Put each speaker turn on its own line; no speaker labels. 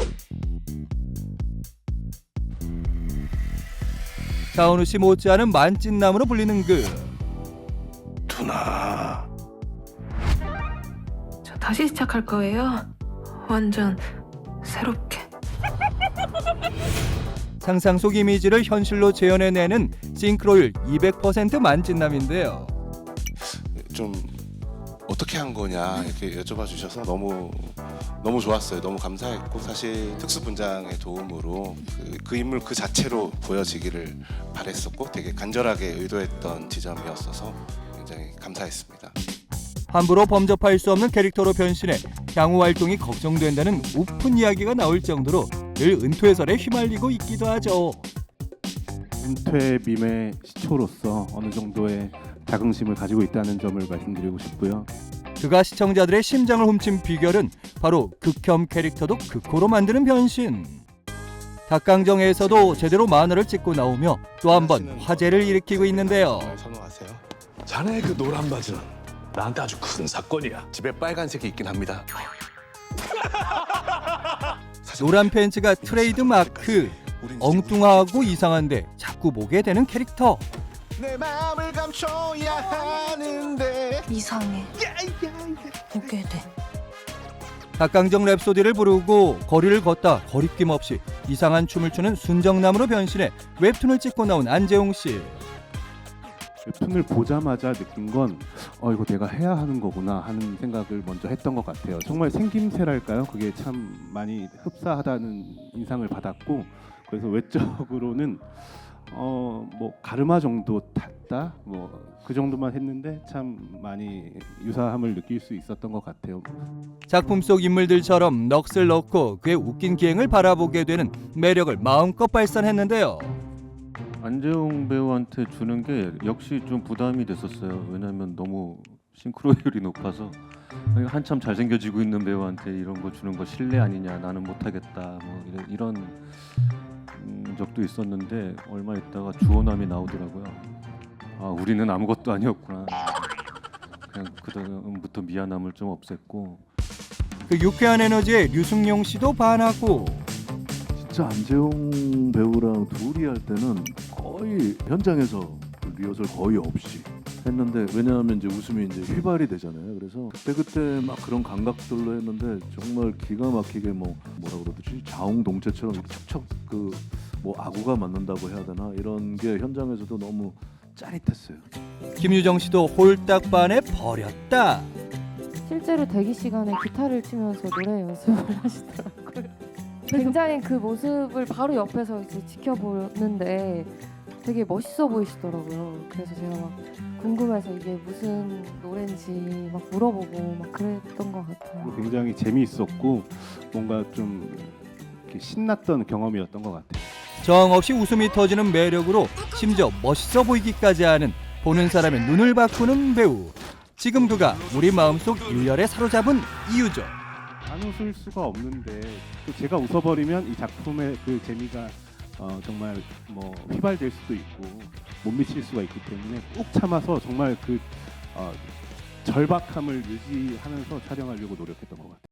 차은우 씨 못지않은 만찢남으로 불리는 그
누나.
저 다시 시작할 거예요. 완전 새롭게.
상상 속 이미지를 현실로 재현해내는 싱크로율 200% 만찢남인데요.
좀 어떻게 한 거냐 이렇게 여쭤봐 주셔서 너무 좋았어요. 너무 감사했고 사실 특수 분장의 도움으로 그 인물 그 자체로 보여지기를 바랬었고 되게 간절하게 의도했던 지점이었어서 굉장히 감사했습니다.
함부로 범접할 수 없는 캐릭터로 변신해 향후 활동이 걱정된다는 우픈 이야기가 나올 정도로 늘 은퇴설에 휘말리고 있기도 하죠.
은퇴 밈의 시초로서 어느 정도의 자긍심을 가지고 있다는 점을 말씀드리고 싶고요.
그가 시청자들의 심장을 훔친 비결은 바로 극혐 캐릭터도 극호로 만드는 변신. 닭강정에서도 제대로 만화를 찍고 나오며 또 한 번 화제를 일으키고 있는데요.
정말 선호하세요?
자네 그 노란 바지는 나한테 아주 큰 사건이야.
집에 빨간색이 있긴 합니다.
노란 팬츠가 트레이드 마크. 엉뚱하고 이상한데 자꾸 보게 되는 캐릭터.
내 마음을 감춰야 하는데
이상해. 보게 돼.
닭강정 랩소디를 부르고 거리를 걷다 거리낌 없이 이상한 춤을 추는 순정남으로 변신해 웹툰을 찍고 나온 안재홍 씨.
웹툰을 보자마자 느낀 건 이거 내가 해야 하는 거구나 하는 생각을 먼저 했던 것 같아요. 정말 생김새랄까요? 그게 참 많이 흡사하다는 인상을 받았고 그래서 외적으로는 뭐 가르마 정도 탔다 뭐 그 정도만 했는데 참 많이 유사함을 느낄 수 있었던 것 같아요.
작품 속 인물들처럼 넋을 넣고 그의 웃긴 기행을 바라보게 되는 매력을 마음껏 발산했는데요.
안재홍 배우한테 주는 게 역시 좀 부담이 됐었어요. 왜냐하면 너무 싱크로율이 높아서 한참 잘생겨지고 있는 배우한테 이런 거 주는 거 실례 아니냐, 나는 못하겠다 뭐 이런 적도 있었는데 얼마 있다가 주호남이 나오더라고요. 아, 우리는 아무것도 아니었구나. 그냥 그다음부터 미안함을 좀 없앴고.
그 유쾌한 에너지에 류승용 씨도 반하고.
진짜 안재홍 배우랑 둘이 할 때는 거의 현장에서 리허설 거의 없이 했는데 왜냐하면 이제 웃음이 이제 휘발이 되잖아요. 그래서 그때 막 그런 감각들로 했는데 정말 기가 막히게 뭐라 그러듯이 자웅동체처럼 이렇게 척척 그 뭐 아구가 맞는다고 해야 되나 이런 게 현장에서도 너무 짜릿했어요.
김유정 씨도 홀딱 반해 버렸다.
실제로 대기 시간에 기타를 치면서 노래 연습을 하시더라고요. 굉장히 그 모습을 바로 옆에서 이제 지켜보는데 되게 멋있어 보이시더라고요. 그래서 제가 막 궁금해서 이게 무슨 노래인지 막 물어보고 막 그랬던 것 같아요.
굉장히 재미있었고 뭔가 좀 이렇게 신났던 경험이었던 것 같아요.
정없이 웃음이 터지는 매력으로 심지어 멋있어 보이기까지 하는 보는 사람의 눈을 바꾸는 배우. 지금 그가 우리 마음속 일렬에 사로잡은 이유죠.
안 웃을 수가 없는데 또 제가 웃어버리면 이 작품의 그 재미가 정말 뭐 휘발될 수도 있고 못 미칠 수가 있기 때문에 꾹 참아서 정말 그 절박함을 유지하면서 촬영하려고 노력했던 것 같아요.